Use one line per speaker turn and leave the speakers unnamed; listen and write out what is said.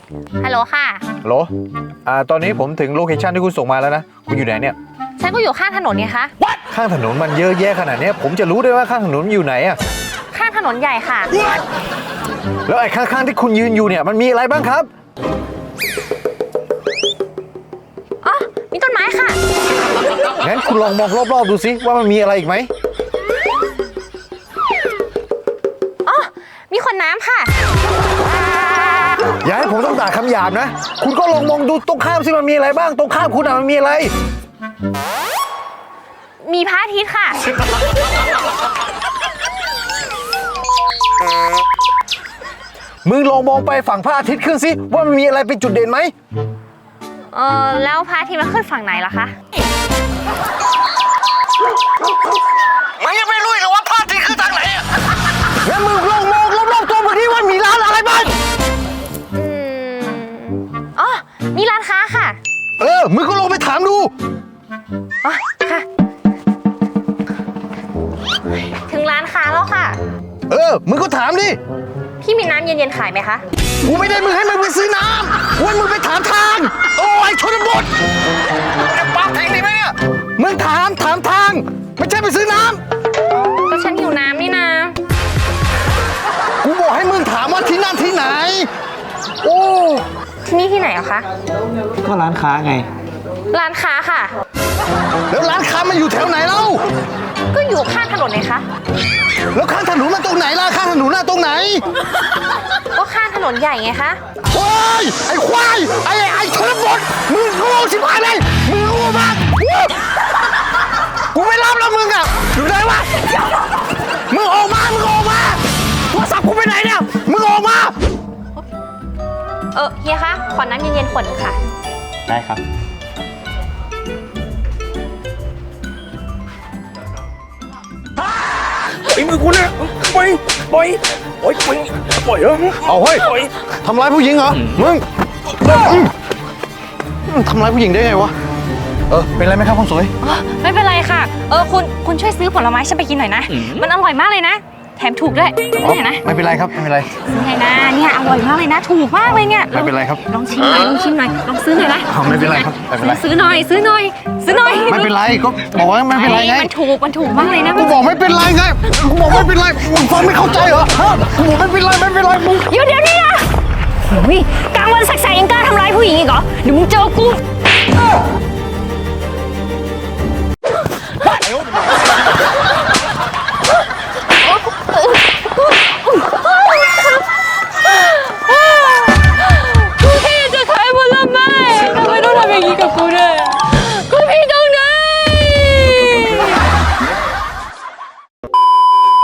ฮัลโหลค่ะ
ฮัลโหลตอนนี้ผมถึงโลเคชั่นที่คุณส่งมาแล้วนะคุณอยู่ไหนเนี่ย
ฉันก็อยู่ข้างถนนไงคะ
ข้างถนนมันเยอะแยะขนาดนี้ผมจะรู้ได้ว่าข้างถนนมันอยู่ไหนอะ
ข้างถนนใหญ่ค่ะ
แล้วไอ้ข้างๆที่คุณยืนอยู่เนี่ยมันมีอะไรบ้างครับ
อ๋อ มีต้นไม้ค่ะ
งั้นคุณลองมองรอบๆดูสิว่ามันมีอะไรอีกไหม
อ๋อ มีขวดน้ำค่ะ
อย่าให้ผมต้องด่าคำหยาบนะคุณก็ลองมองดูตรงข้ามสิมันมีอะไรบ้างตรงข้ามคุณอะมันมีอะไร
มีพระอาทิตย์ค่ะ
มึงลองมองไปฝั่งพระอาทิตย์ขึ้นสิว่ามันมีอะไรเป็นจุดเด่นไหม
แล้วพระอาทิตย์มันขึ้นฝั่งไหนล่ะคะ
มึงยังไม่รู้เหรอว่าพระอาทิตย์ขึ้นทางไหนอะงั้นมึงลองมองรอบๆตัวมึงดิว่ามีร้านอะไรบ้าง
อ๋อ มีร้านค้าค่ะ
มึงก็ลองไปถามดู
อ๋อ ค่ะ ถึงร้านค้าแล้วค่ะ
มึงก็ถามดิ
พี่มีน้ำเย็นๆขายไหมคะ
กูไม่ได้มึงให้มึงไปซื้อน้ำกูให้มึงไปถามทาง โอ้ยชนบทจะปากแทงดีไหมเนี่ยมึงถามทาง ไม่ใช่ไปซื้อน้
ก็ฉันหิวน้ำนี่นะ
ำกูบอกให้มึงถามว่าที่นั่นที่ไหน โอ้
ที่นี่ที่ไหนอะคะ
ก็ร้านค้าไง
ร้านค้าค่ะ
แล้วร้านค้ามันอยู่แถวไหนเล่า
ก็อยู่ข้างถนนไงคะ
แล้วข้างถนนมันตรงไหนล่ะข้างถนนน่ะตรงไหน
ก็ข้างถนนใหญ่ไงคะ
โอ้ยไอ้ควายไอ้ชนบทมึงโง่ชิบหายเลยมึงโง่มากกูไม่รับแล้วมึงอะอยู่ไหนวะมึงออกมาโทรศัพท์กูไปไหนเนี่ยมึงออกมา
เฮียคะ ขอน้ำเย็นๆขวดหนึ่งค่ะ
ได้ครับ
ไอ้มือกูเนี่ยปล่อยปล่อยเหรอ
เอาเฮ้ยทำร้ายผู้หญิงเหรอมึงทำร้ายผู้หญิงได้ไงวะเป็นไรไหมครับคนสวย
ไม่เป็นไรค่ะ คุณช่วยซื้อผลไม้ฉันไปกินหน่อยนะ มันอร่อยมากเลยนะ แถมถูกด้วยนี่นะ
ไม่เป็นไรครับไม่เป็นไร
ซื้อไงนะเนี่ยอร่อยมากเลยนะ ถูกมากเลยเนี่ย
ไม่เป็นไรครับ
ลองชิมหน่อยลองซื้อหน่อยนะ
ไม่เป็นไรครับไม่เป็นไร
ซื้อหน่อย
ไม่เป็นไรก็บอกว่าไม่เป็นไรไง
มันถูกมากเลยนะ
กูบอกไม่เป็นไรไงกูบอกไม่เป็นไรมึงฟังไม่เข้าใจเหรอฮะกูบอกไม่เป็นไรมึง
เดี๋ยวนี่นะโอ้ยกลางวันแสกๆยังกล้าทำร้ายผู้หญิงอีกเหรอ เดี๋ยวมึงเจอกูกูแค่จะขายผลไม้ทำไมต้องทำอย่างนี้กับกูด้วย